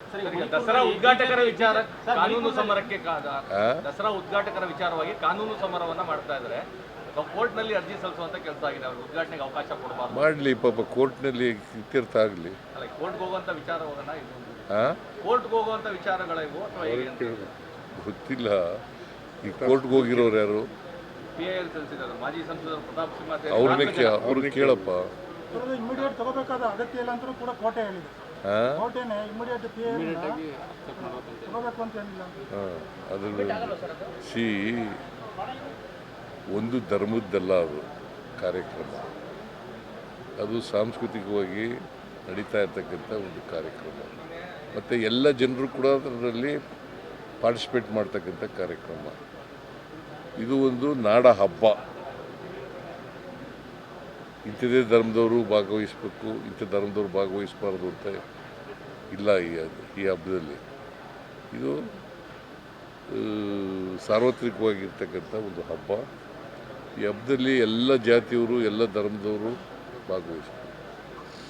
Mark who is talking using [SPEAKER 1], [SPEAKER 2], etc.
[SPEAKER 1] ದಸರಾ ಉದ್ಘಾಟಕರ ವಿಚಾರ ಕಾನೂನು ಸಮರಕ್ಕೆ ದಸರಾ ಉದ್ಘಾಟಕರ ವಿಚಾರವಾಗಿ ಕಾನೂನು ಸಮರವನ್ನ ಮಾಡ್ತಾ ಇದ್ದಾರೆ. ಕೋರ್ಟ್ನಲ್ಲಿ ಅರ್ಜಿ ಸಲ್ಲಿಸುವಂತ ಕೆಲಸ ಆಗಿದೆ. ಅವರು ಉದ್ಘಾಟನೆಗೆ ಅವಕಾಶ ಕೊಡಬಾರ್ದು.
[SPEAKER 2] ಮಾಡಲಿ ಪಾಪ, ಕೋರ್ಟ್ನಲ್ಲಿ ಇತ್ಯರ್ಥ ಆಗಲಿ.
[SPEAKER 1] ಅಲ್ಲ, ಕೋರ್ಟ್ಗೆ ಹೋಗುವಂತ ವಿಚಾರ ಹೋಗೋಣ. ಕೋರ್ಟ್ಗೆ ಹೋಗುವಂತ ವಿಚಾರಗಳ ಇವು ಅಥವಾ ಹೇಗೆ
[SPEAKER 2] ಗೊತ್ತಿಲ್ಲ. ಈ ಕೋರ್ಟ್ಗೆ ಹೋಗಿರೋರು ಯಾರು?
[SPEAKER 1] PIL ಸಲ್ಲಿಸಿದ್ದಾರೆ ಮಾಜಿ ಸಂಸದರು ಪ್ರತಾಪ್ ಸಿಂಹ.
[SPEAKER 2] ಅವ್ರನ್ನ ಕೇಳಪ್ಪ.
[SPEAKER 3] ಇಮಿಡಿಯೇಟ್ ತಗೋಬೇಕಾದ ಅಗತ್ಯ ಇಲ್ಲ ಅಂತ ಕೂಡ ಕೋರ್ಟೆ ಹೇಳಿದೆ. ಕೋರ್ಟೇನೆ ಇಮಿಡಿಯೇಟ್ ತಗೋಬೇಕು ಅಂತ ಏನಿಲ್ಲ.
[SPEAKER 2] ಸಿ ಒಂದು ಧರ್ಮದ್ದಲ್ಲ ಅದು ಕಾರ್ಯಕ್ರಮ, ಅದು ಸಾಂಸ್ಕೃತಿಕವಾಗಿ ನಡೀತಾ ಇರ್ತಕ್ಕಂಥ ಒಂದು ಕಾರ್ಯಕ್ರಮ. ಮತ್ತು ಎಲ್ಲ ಜನರು ಕೂಡ ಅದರಲ್ಲಿ ಪಾರ್ಟಿಸಿಪೇಟ್ ಮಾಡ್ತಕ್ಕಂಥ ಕಾರ್ಯಕ್ರಮ. ಇದು ಒಂದು ನಾಡ ಹಬ್ಬ. ಇಂಥದೇ ಧರ್ಮದವರು ಭಾಗವಹಿಸಬೇಕು, ಇಂಥ ಧರ್ಮದವರು ಭಾಗವಹಿಸಬಾರ್ದು ಅಂತ ಇಲ್ಲ. ಈ ಹಬ್ಬದಲ್ಲಿ ಇದು ಸಾರ್ವತ್ರಿಕವಾಗಿರ್ತಕ್ಕಂಥ ಒಂದು ಹಬ್ಬ. ಈ ಹಬ್ಬದಲ್ಲಿ ಎಲ್ಲ ಜಾತಿಯವರು, ಎಲ್ಲ ಧರ್ಮದವರು ಭಾಗವಹಿಸಬೇಕು.